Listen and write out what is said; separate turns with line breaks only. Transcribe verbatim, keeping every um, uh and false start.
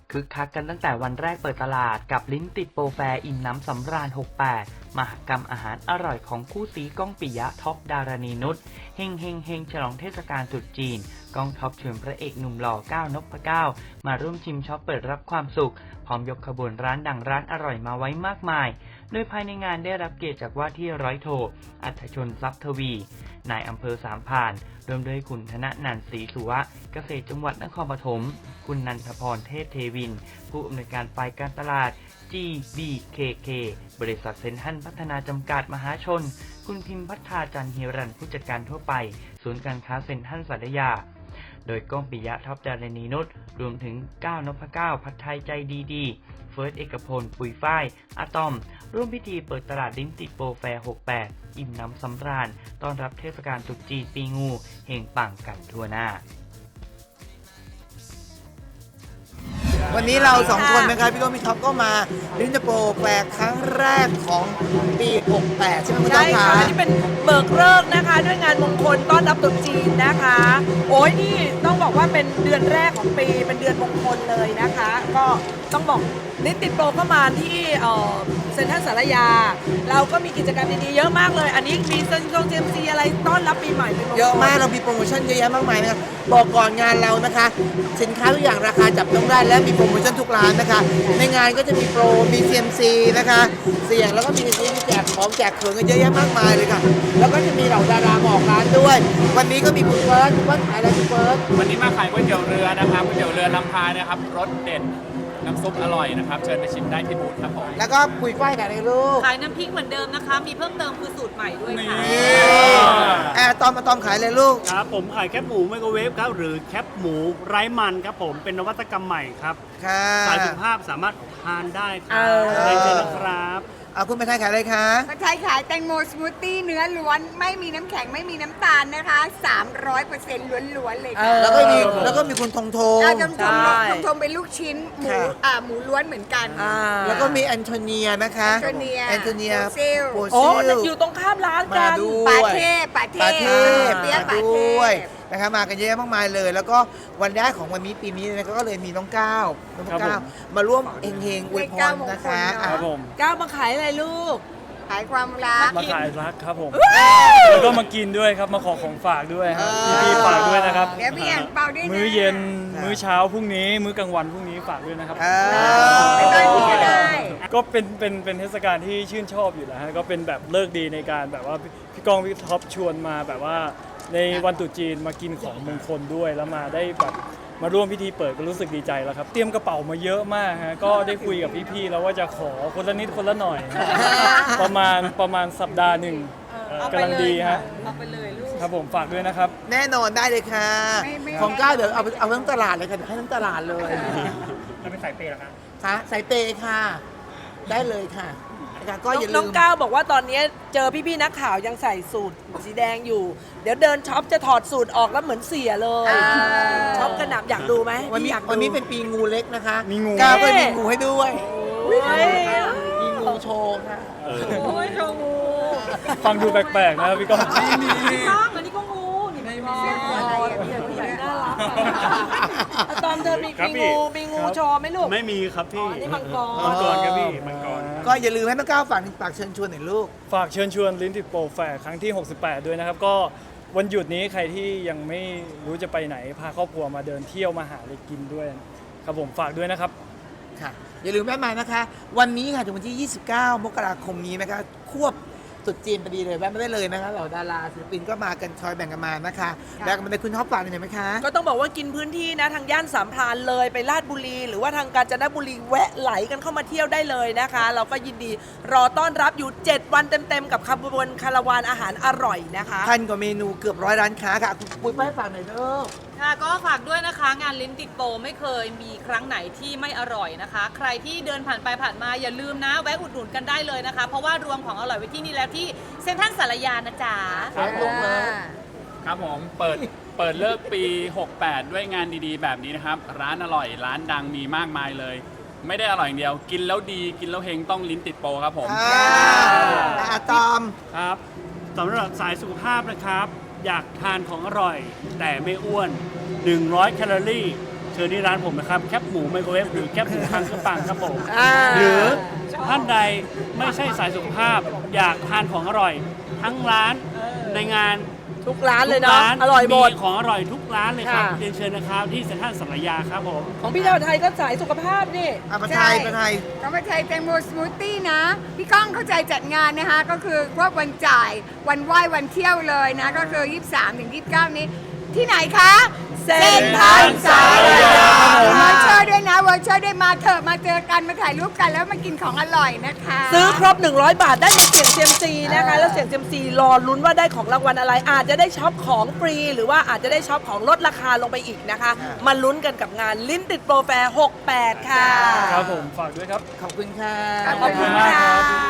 คึกคักกันตั้งแต่วันแรกเปิดตลาดกับลิ้นติดโปรแฟร์อิ่มน้ำสำราญหกสิบแปดมหกรรมอาหารอร่อยของคู่ซีก้องปิยะท็อปดารณีนุชเฮงเฮงเฮงฉลองเทศกาลตรุษจีนก้องท็อปชวนพระเอกหนุ่มหล่อก้าวนพเก้ามาร่วมชิมช็อปเปิดรับความสุขพร้อมยกขบวนร้านดังร้านอร่อยมาไว้มากมายโดยภายในงานได้รับเกียรติจากว่าที่ร้อยโทอัธชนทรัพย์ทวีนายอำเภอสามพรานรวมด้วยคุณธนนันท์ศรีสุวะเกษตรจังหวัดนครปฐมคุณนันทพรเทพเทวินผู้อำนวยการฝ่ายการตลาด จี บี เค เค บริษัทเซ็นทรัลพัฒนาจำกัดมหาชนคุณพิมพัฒนาจันทร์ฮิรันผู้จัดการทั่วไปศูนย์การค้าเซ็นทรัลสัตยาโดยก้องปิยะท็อปดารณีนุชรวมถึงก้าวนพเก้าผัดไทยใจดีดีเฟิร์สเอกพลปุยฝ้ายอะตอมร่วมพิธีเปิดตลาดลิ้นติดโปรแฟร์หกสิบแปดอิ่มน้ำสำราญต้อนรับเทศกาลตรุษจีนปีงูเฮงปังกันทั่วหน้า
วันนี้เราสองคนนะครับพี่ก้องพี่ท็อปก็มาลิ้นติดโปรแฟร์ครั้งแรกของปีหกสิบแปดใช่ไหมคุณท็อปคะ
ใช่ค่ะนี่เป็นเบิกฤกษ์นะคะด้วยงานมงคลต้อนรับตรุษจีนนะคะโอ้ยนี่ต้องบอกว่าเป็นเดือนแรกของปีเป็นเดือนมงคลเลยนะคะก็ต้องบอกลิ้นติดโปรก็มาที่เซ็นทรัลสารยาเราก็มีกิจกรรมดีๆเยอะมากเลยอันนี้มีเซ็นทรัลเจมซีอะไรต้อนรับปีใหม่เป็นมงคล
เยอะมากเรามีโปรโมชั่นเยอะแยะมากมายนะครับบอกก่อนงานเรานะคะสินค้าทุกอย่างราคาจับต้องได้และมีโปรโมชั่นทุกร้านนะคะในงานก็จะมีโปรมี ซี เอ็ม ซี นะคะเสี่ยงแล้วก็มีซีมีแจกของแจกเขินกันเยอะแยะมากมายเลยค่ะแล้วก็จะมีเหล่าดารามาออกร้านด้วยวันนี้ก็มีคุณเฟิร์สคุณเฟิร์สขายอะไรคุณเฟิร์ส
วันนี้มาขายก๋วยเตี๋ยวเรือนะครับก๋วยเตี๋ยวเรือลำพายนะครับรสเด็ดน้ำซุปอร่อยนะครับเชิญไปชิมได้ที่บูธครับผม
แล้วก็คุยฝ้ายขายอะไรลูก
ขายน้ำพริกเหมือนเดิมนะคะ มีเพิ่มเติมคือสูตรใหม่ด้วยค่ะ
แอร์ตอมมาตอมขายเลยลูก
ครับผมขายแคปหมูไมโครเวฟครับหรือแคปหมูไร้มันครับผมเป็นนวัตกรรมใหม่ครับ
ค่ะ
สายสุขภาพสามารถทานได้ค
เอ
รับ
อ
เรียนเชิญนะครับ
เอาคุณไปไทยขายอะไรคะ
ผัดไทยขายแตงโมสมูทตี้เนื้อล้วนไม่มีน้ำแข็งไม่มีน้ำตาลนะคะ สามร้อยเปอร์เซ็นต์ ล้วนๆเลย
เอ
ค่ะ
อ
แล้วก็มีแล้วก็มีคุณทงทง
เราจำท
ใช่
งทงทงเป็นลูกชิ้นหมู
ค่ะ
อ่าหมูล้วนเหมือนกัน
อ่า
แล้วก็มีแอนโทเนียนะคะ
แอนโทเนีย
แอนโทเนีย
โปรซิล
โปร
โอ้
ซิล
อยู่ตรงข้ามร้าน
มา
กัน
ดู
ปาเทพปาเท
ปา
พ
เทพ
เปี๊ยะ
มา
ปาเท
ด้วย
พ
นะคะมากันเยอะมากมายเลย แล้วก็วันแรกของวันนี้ปีนี้นะคะก็เลยมีน้องก้าวน้อง
ครับ
ก้าว
ผม
มาร่วมเฮงเฮงๆอวยพรนะคะ
เลขเก้ามงคลเนอะ
ครับผม
ก้าวมาขายอะไรลูก
ขายความรัก
มาขายรักครับผมแล้วก็มากินด้วยครับมาขอของฝากด้วยครับพี่ๆฝากด้วยนะครับ
เดี๋ยวพี่อ่างเปาด้วยนะ
มื้อเย็นมื้อเช้าพรุ่งนี้ มื้อกลางวันพรุ่งนี้ฝากด้วยนะครับ
เอ
ไปบ้านพี่ก็ได้
ก็เป็นเป็นเป็นเทศกาลที่ชื่นชอบอยู่แล้วฮะก็เป็นแบบเลิกดีในการแบบว่าพี่พี่ก้องพี่ท็อปชวนมาแบบว่าในวันตรุษจีนมากินของมงคลด้วยแล้วมาได้แบบมาร่วมพิธีเปิดก็รู้สึกดีใจแล้วครับ เตรียมกระเป๋ามาเยอะมากฮะก็ได้คุยกับพี่ๆแล้วว่าจะขอคนละนิดคนละหน่อยฮะประมาณประมาณสัปดาห์หนึ่งเอ่อกำลังดีฮะ
เอาไปเลยลูก
ครับผมฝากด้วยนะครับ
แน่นอนได้เลยค่ะ
ไม่ไม่
ของก้าวเดี๋ยวเอาไปเอาทั้งตลาดเลยค่ะเดี๋ยวให้ทั้งตลาดเลย
เราเป็นสายเปย์เหรอครับ
ค่ะสายเปย์ค่ะ ได้เลยค่ะนะคะก็อย่าลื
น้อง
ม
ก้าวบอกว่าตอนนี้เจอพี่ๆนักข่าวยังใส่สูตรสีแดงอยู่ เดี๋ยวเดินช็อปจะถอดสูตรออกแล้วเหมือนเสียเลย
อ่า
ช็อปกระหน่ำอยากดูไหม
วันนี้
อยากดู
วันนี้เป็นปีงูเล็กนะคะ
มีงู
ก้าวก็มีงูให้ด้วย
โอ้ย
มีงูโชว์ค่ะ
โอ้ยโชว์งู
ฟังดูแปลกๆนะครับพี่ก้อง
ข้างอันนี้ก็งูนี่ไม่มี
อะไรอ่ะพี่อ่าง
น่า
เนี่ย
รักอะตอนเธอมี
ครับ
มี
พี่
งูมีงู
ครับ
โชว์ไหมลูก
ไม่มีครับพี่
อ๋อนี่มังกร
มังกรครับพี่มังกร
ก็อย่าลืมให้น้องก้าวฝากฝากเชิญชวนหน่อยลูก
ฝากเชิญชวนลิ้นติดโปรแฟร์ครั้งที่ หกสิบแปด ด้วยนะครับ ก็วันหยุดนี้ใครที่ยังไม่รู้จะไปไหน พาครอบครัวมาเดินเที่ยวมาหาอะไรกินด้วย ครับผมฝากด้วยนะครับ
ค่ะ อย่าลืมแวะมานะคะ วันนี้ค่ะถึงวันที่ ยี่สิบเก้า มกราคมนี้นะคะ ควบตรุษจีนพอดีเลยแวะมาได้เลยนะคะเหล่าดาราศิลปินก็มากันคอยแบ่งกันมานะคะแล้วก็มาได้คุณท็อปฝากหน่อยไหมคะ
ก็ต้องบอกว่ากินพื้นที่นะทางย่านสามพรานเลยไปลาดบุรี หรือว่าทางกาญจนบุรีแวะไหลกันเข้ามาเที่ยวได้เลยนะคะ เราก็ยินดีรอต้อนรับอยู่ เจ็ด วันเต็มๆกับขบวนคาราวานอาหารอร่อยนะคะ
พันกว่าเมนูเกือบร้อยร้านค้าค่ะคุณปุ้ยป้ายฝากหน่อยเด้อ
ค่ะก็ฝากด้วยนะคะ งานลิ้นติดโปรไม่เคยมีครั้งไหนที่ไม่อร่อยนะคะ ใครที่เดินผ่านไปผ่านมาอย่าลืมนะแวะอุดหนุนกันได้เลยนะคะ เพราะว่ารวมของอร่อยไว้ที่นี่แล้วที่เซ็นทรัลสารยานะจ๊ะ
ครับผม
ครับผมเปิดเปิดเลิกปี หกสิบแปด ด้วยงานดีๆ แบบนี้นะครับ ร้านอร่อยร้านดังมีมากมายเลย ไม่ได้อร่อยอย่างเดียว กินแล้วดีกินแล้วเฮงต้องลิ้นติดโปรครับผม
อ่าอะตอม
ครับสำหรับสายสุขภาพนะครับ อยากทานของอร่อย แต่ไม่อ้วน หนึ่งร้อย แคลอรี่ ใ
ชิญที่ร้านผมนะครับแคบหมูไมโครเวฟหรือแคบหมูทางเครื่องปังครับผม
อ่า
หรือท่านใดไม่ใช่สายสุขภาพ อยากทานของอร่อย ทั้งร้านในงาน
ทุกร้านเลย
ทุก
เนาะ
ร้าน
อร่อยหมด
ของอร่อยทุกร้านเลยครับ
ค่ะ
เรียนเชิญนะครับที่เซ็นทรัลสารยาครับผม
ของพี่ดาวไทยก็สายสุขภาพนี่
อ่ะประไทยประไทย
ก็มาใช้แตงโมสมูทตี้นะ พี่ก้องเข้าใจจัดงานนะคะ ก็คือพวกวันจ่ายวันไหว้วันเที่ยวเลยนะ ก็คือ ยี่สิบสามถึงยี่สิบเก้า นี้ ที่ไหนคะ
เซ็นทรัลสารยา
เวอร์เชอร์ด้วยนะเวอร์เชอร์ด้วยมาเถอะมาเจอกันมาถ่ายรูปกันแล้วมากินของอร่อยนะคะ
ซื้อครบ หนึ่งร้อย บาทได้เสียงเซียมซีนะคะ แล้วเสียงเซียมซีรอลุ้นว่าได้ของรางวัลอะไร อาจจะได้ช็อปของฟรี หรือว่าอาจจะได้ช็อปของลดราคาลงไปอีกนะคะ มาลุ้นกันกับงานลิ้นติดโปรแฟร์หกแปดค่ะ
ครับผมฝากด้วยครับ
ขอบคุณค่ะ
ขอบคุณค่ะ